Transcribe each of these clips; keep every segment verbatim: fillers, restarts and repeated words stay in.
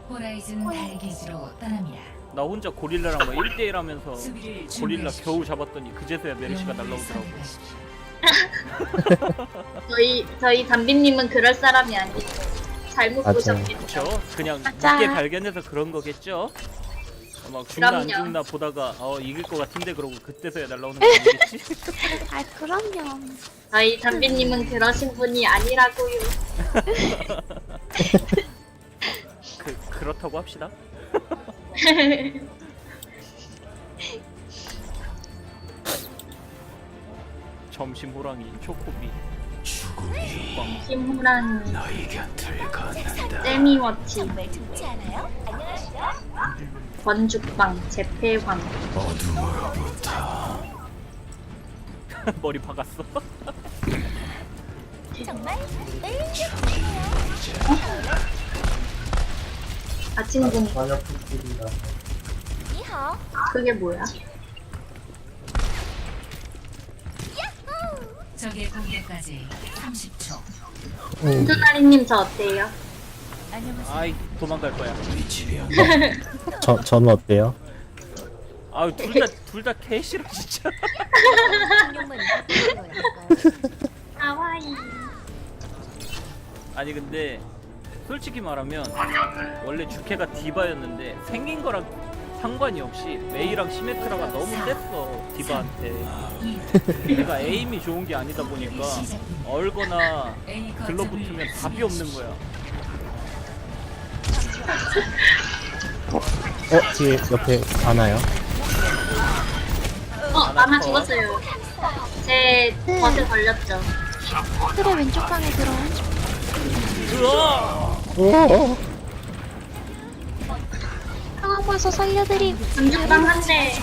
호라이즌 달기지로 떠납니다. 나 혼자 고릴라랑 막 일 대일 하면서 수비를 고릴라 준비하십시오. 겨우 잡았더니 그제서야 메르시가 영웅을 날라오더라고. 선택하십시오. 저희 저희 담비님은 그럴 사람이 아니에요. 잘못 맞아요. 보셨겠죠. 그쵸? 그냥 맞아. 늦게 발견해서 그런 거겠죠? 막 죽나 안 그럼요. 죽나 보다가 어 이길 것 같은데 그러고 그때서야 날라오는 거 아니겠지? 아 그럼요. 저희 담비님은 그러신 분이 아니라고요. 그 그렇다고 합시다. 점심 호랑이 초코비 죽방 김호랑 너희 곁을 걷는다. 세미워치 정말 좋지 않아요? 안녕하세요. 번죽방 재패왕 어둠으로부터 머리 박았어. 정말 매일 아침공 이하. 그게 뭐야? 적의 공격까지 삼십 초. 순두나리님 저 어때요? 안녕하세요. 아이 도망갈 거야. 위치변 저, 저는 어때요? 아유 둘다 둘 다 개싫어 진짜. 공룡만 입고 하와이 아니 근데 솔직히 말하면 원래 주캐가 디바였는데 생긴 거랑 상관이 없이 메이랑 시메트라가 너무 셌어 디바한테. 내가 에임이 좋은 게 아니다 보니까 얼거나 A 거점을 들러붙으면 답이 없는 거야. 어, 뒤에 옆에 안와요. 어 아마 죽었어요. 제 버스 걸렸죠. 틀의 왼쪽 방에 들어. 으아! 오, 상황 봐서 살려드림. 번죽방 한대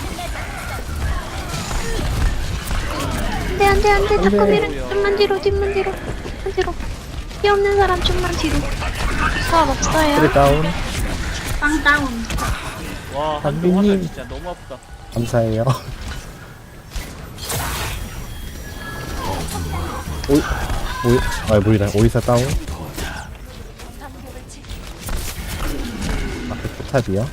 안돼 안돼 안돼. 자꾸 안 돼. 밀어. 좀만 뒤로 뒷만 뒤로. 뒷만 뒤로. 피 없는 사람 좀만 뒤로. 수업 그래, 없어요. 다운. 빵 다운. 와 한쪽 담비님. 화살 진짜 너무 아프다. 감사해요. 오이, 오이, 아, 뭐이다. 오이사 다운. 앞에 포탑이요.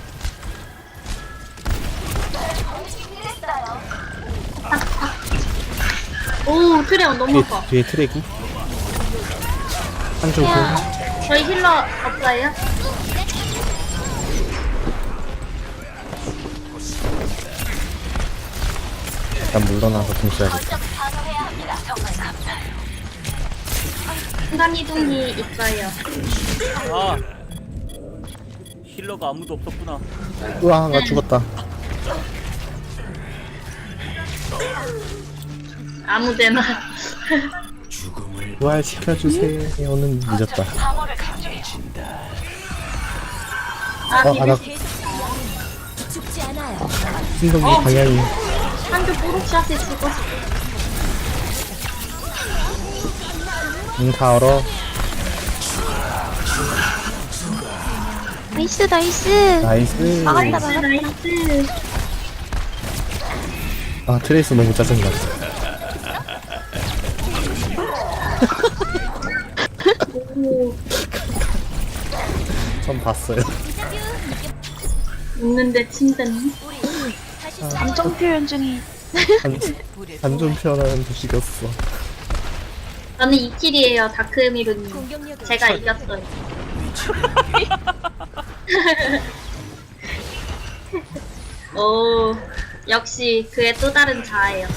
오 트레온 너무 뒤에, 아파. 뒤에 트랙이. 한쪽 공. 저희 힐러 없어요? 일단 물러나서 공 써야겠다. 순간 이동이 있어요. 아 힐러가 아무도 없었구나. 우와, 나 죽었다. 아무데나. 죽음을 부활시켜주세요. 오는 늦었다. 아 어, 아, 나 비비 죽지 않아요. 신동기 어. 방향이. 한조 뽀록샷에 죽었어. 응, 다 얼어. 나이스 나이스. 나이스. 막았다 나이스 막았다. 나이스. 아, 트레이스 너무 짜증나. 오 전 봤어요. 웃는데 침대는. 감정 표현 중에. 안좀 표현하는 도시였어. 저는 이 킬이에요 다크미루님. 공격력을 제가 이겼어요. 오 역시 그의 또 다른 자아예요.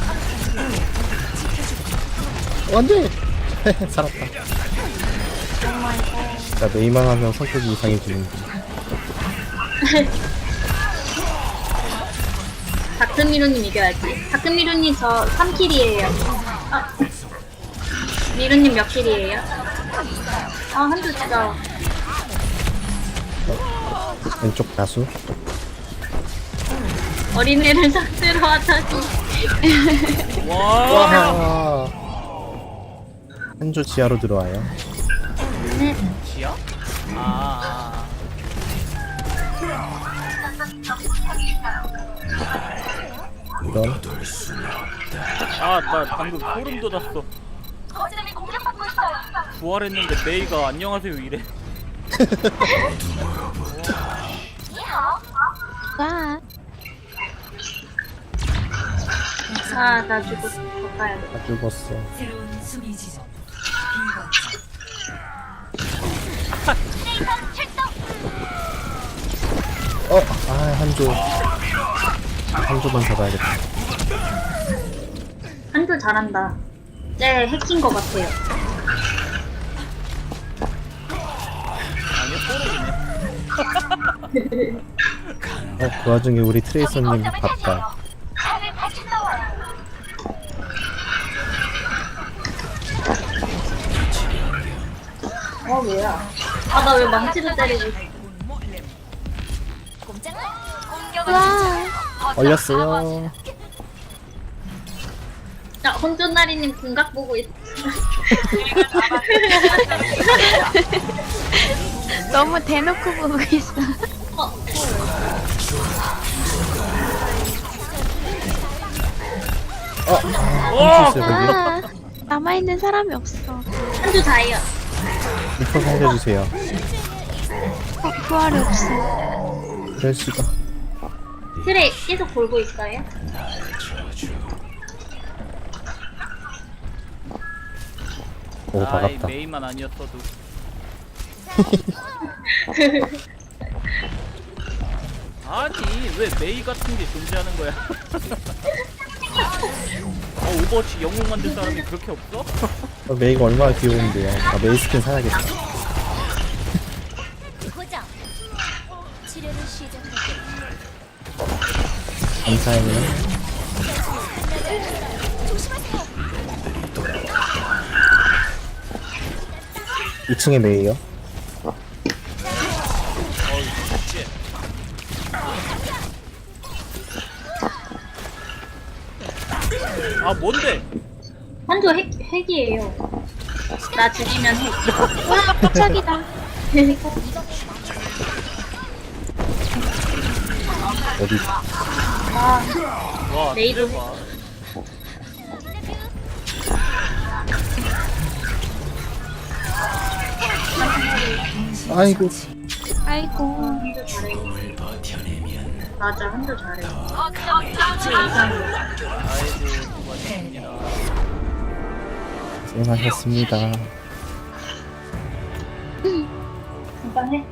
안 돼! 살았다. 자, 메이만 하면 성격이 이상해지는데. 다크미루님 이겨야지. 다크미루님 저 삼 킬이에요. 아, 미루님 몇 킬이에요? 아 한조 진짜. 왼쪽 다수. 어린애를 상대로 하다니. 와 와! 한조 지하로 들어와요. 지야? 아 이런. 아 나 방금 소름 돋았어. 부활했는데 메이가 안녕하세요 이래. 와. 아, 나 죽었어. 더 가야 돼. 다 죽었어. 새로운 수비 지점. 비거점. 어, 아, 한조. 한조만 잡아야겠다. 한줄 잘한다. 쟤 해킹 거 같아요. 아니요, 뽀록이네. 어, 그 와중에 우리 트레이서님 봤다. 어, 뭐야. 아, 나 왜 망치로 때리고 있어. 와. 얼렸어요. 자, 혼존나리님 궁각 보고 있어. 너무 대놓고 보고 있어. 어, 어, 아, 와! 훔쳤어요, 거기. 아, 남아있는 사람이 없어. 한줄 자요. 리퍼 살려주세요. 어, 부활이 없어. 이럴 수가. 트레 계속 돌고 있어요? 오, 아이, 박았다. 메이만 아니었어도. 아니, 왜 메이 같은 게 존재하는 거야? 어, 오버워치 영웅 만든 사람이 그렇게 없어? 어, 메이가 얼마나 귀여운데요. 아, 메이 스킨 사야겠다. 고정. 치료를 시작할게. 감사해요. 이 층에 메이요. 아, 뭔데? 한줄 핵, 핵이에요. 나 죽이면 핵. 와, 깜짝이다. 어디? 아, 와, 메이도 대박. 아이고. 아이고. 한줄 잘해. 뭘 버텨내면 맞아, 한줄 잘해. 아이고, 고맙습니다. 고생하셨습니다. 금방 해.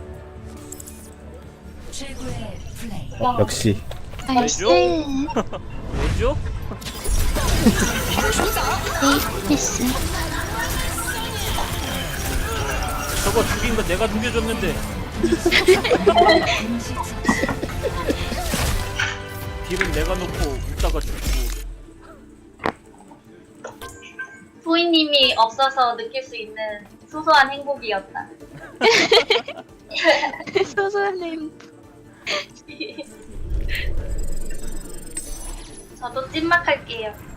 최고의 플레이. 어, 역시. 나이스. 왜죠? 네이스. 저거 죽인 거 내가 죽여줬는데. 딜은 내가 놓고 웃다가 죽고. 부인님이 없어서 느낄 수 있는 소소한 행복이었다. 소소한 님. 저도 찐막할게요.